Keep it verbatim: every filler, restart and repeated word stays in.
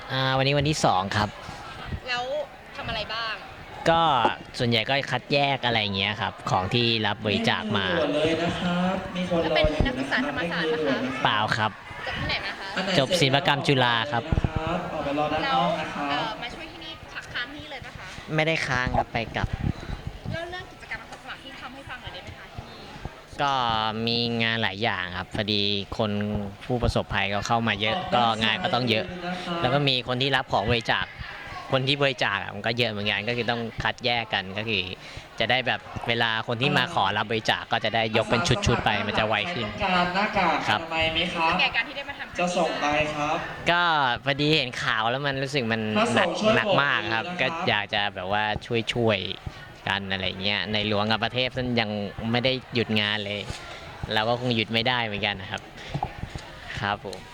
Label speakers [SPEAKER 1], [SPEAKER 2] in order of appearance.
[SPEAKER 1] อ่าวันนี้วันที่สองครับ
[SPEAKER 2] แล้วทำอะไรบ้าง
[SPEAKER 1] ก็ส่วนใหญ่ก็คัดแยกอะไรเงี้ยครับของที่รับบริจาคมา
[SPEAKER 3] เลยนะครับมีคน
[SPEAKER 2] แล้ว
[SPEAKER 3] รอ
[SPEAKER 2] เป็น
[SPEAKER 3] อยู่
[SPEAKER 2] นักศึกษาธรรมศาสตร์ปะคะ
[SPEAKER 1] เปล่าครับ
[SPEAKER 2] จบที่ไหนมาคะ
[SPEAKER 1] จบศิลปกรรมจุฬาครับ
[SPEAKER 3] ออกไปรอด้าน
[SPEAKER 2] แล้
[SPEAKER 3] น
[SPEAKER 2] ว
[SPEAKER 3] อกนะครั
[SPEAKER 2] เอ่
[SPEAKER 3] บ
[SPEAKER 2] อมาช่วยที่นี่พักค้างที่นี่เลยปะคะ
[SPEAKER 1] ไม่ได้ค้างครับไปกลับ
[SPEAKER 2] แล้วเรื่องกิจกรรมอาสาสมัครที่ทำให้ฟังหน่อยได้ไหมคะที่นี่
[SPEAKER 1] ก็มีงานหลายอย่างครับพอดีคนผู้ประสบภัยก็เข้ามาเยอะก็งานก็ต้องเยอะแล้วก็มีคนที่รับของบริจาคคนที่บริจาคมันก็เยอะเหมือนกันก็คือต้องคัดแยกกันก็คือจะได้แบบเวลาคนที่มาขอรับบริจาคก็จะได้ยกเป็นชุดๆไปมันจะไวขึ้น
[SPEAKER 3] การหน้ากาก
[SPEAKER 1] ครับ
[SPEAKER 3] ทำไมไหมครับ
[SPEAKER 2] แก่การที่ได้มาทำ
[SPEAKER 3] จะส่งไปครับ
[SPEAKER 1] ก็พอดีเห็นข่าวแล้วมันรู้สึกมันหนักหนักมากครับก็อยากจะแบบว่าช่วยช่วยกันอะไรเงี้ยในหลวงกับประเทศท่านยังไม่ได้หยุดงานเลยเราก็คงหยุดไม่ได้เหมือนกันนะครับครับผม